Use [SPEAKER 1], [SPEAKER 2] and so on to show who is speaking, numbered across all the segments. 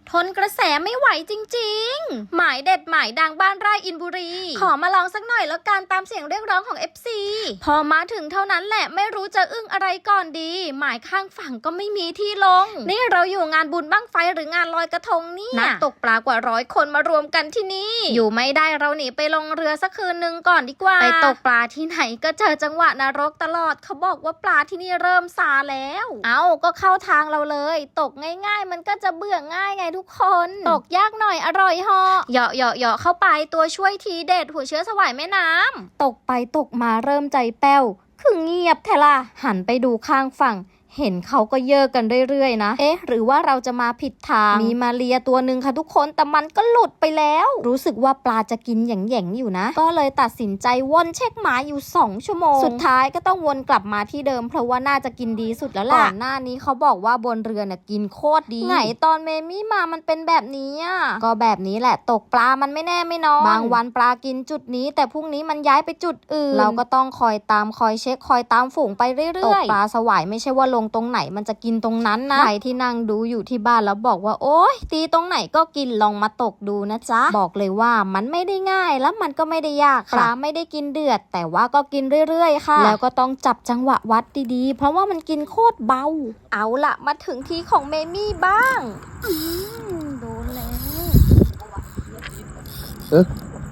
[SPEAKER 1] ทนกระแสไม่ไหวจริงๆหมายเด็ดหมายดังบ้านไร่อินบุรีขอมาลองสักหน่อยแล้วกันตามเสียงเรียกร้องของ FC พอมาถึงเท่านั้นแหละไม่รู้จะอึ้งอะไรก่อนดีหมายข้างฝั่งก็ไม่มีที่ลงนี่เราอยู่งานบุญบั้งไฟหรืองานลอยกระทงเนี่ยนักตกปลากว่า100 คนมารวมกันที่นี่อยู่ไม่ได้เราหนีไปลงเรือสักคืนนึงก่อนดีกว่าไปตกปลาที่ไหนก็เจอจังหวะนรกตลอดเขาบอกว่าปลาที่นี่เริ่มซาแล้วก็เข้าทางเราเลยตกง่ายๆมันก็จะเบื่อง่ายไงทุกคนตกยากหน่อยอร่อยเหาะเหาะเข้าไปตัวช่วยทีเด็ดหัวเชื้อสวายแม่น้ำตกไปตกมาเริ่มใจแป้วคือเงียบแทล่ะหันไปดูข้างฝั่งเห็นเขาก็เยอะกันเรื่อยๆนะหรือว่าเราจะมาผิดทางมีมาเรียตัวหนึ่งค่ะทุกคนแต่มันก็หลุดไปแล้วรู้สึกว่าปลาจะกินแหย่งๆอยู่นะก็เลยตัดสินใจวนเช็คหมาอยู่2 ชั่วโมงสุดท้ายก็ต้องวนกลับมาที่เดิมเพราะว่าน่าจะกินดีสุดแล้วล่ะก่อนหน้านี้เขาบอกว่าบนเรือเนี่ยกินโคตรดีไหนตอนเมมี่มามันเป็นแบบนี้ก็แบบนี้แหละตกปลามันไม่แน่ไม่นอนบางวันปลากินจุดนี้แต่พรุ่งนี้มันย้ายไปจุดอื่นเราก็ต้องคอยตามคอยเช็คคอยตามฝูงไปเรื่อยๆตกปลาสวายไม่ใช่ว่าลงตรงไหนมันจะกินตรงนั้นนะใครที่นั่งดูอยู่ที่บ้านแล้วบอกว่าโอ๊ยตีตรงไหนก็กินลองมาตกดูนะจ๊ะบอกเลยว่ามันไม่ได้ง่ายแล้วมันก็ไม่ได้ยากปลาไม่ได้กินเดือดแต่ว่าก็กินเรื่อยๆค่ะแล้วก็ต้องจับจังหวะวัดดีๆเพราะว่ามันกินโคตรเบาเอาละมาถึงทีของเมมี่บ้างโดนแล้ว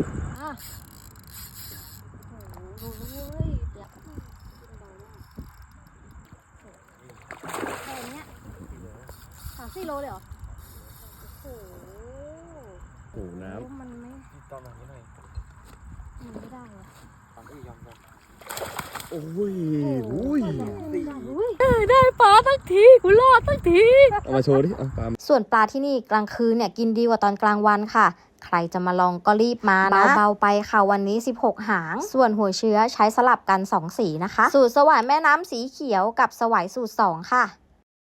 [SPEAKER 1] 4 โลเลยเหรอ
[SPEAKER 2] โอ้โหน้ำ
[SPEAKER 1] มันไม่
[SPEAKER 2] ตอนนี้หน่อย
[SPEAKER 1] ไม่ได้อะ
[SPEAKER 2] ตอนนี้ยอมโอ้ย
[SPEAKER 1] ได้ปลาทั้งทีกูรอดทั้งที
[SPEAKER 2] เอามาโชว์ดิเอาปลา
[SPEAKER 1] ส่วนปลาที่นี่กลางคืนเนี่ยกินดีกว่าตอนกลางวันค่ะใครจะมาลองก็รีบมานะเบาๆไปค่ะวันนี้16 หางส่วนหัวเชื้อใช้สลับกัน2 สีนะคะสูตรสวายแม่น้ำสีเขียวกับสวายสูตร2ค่ะ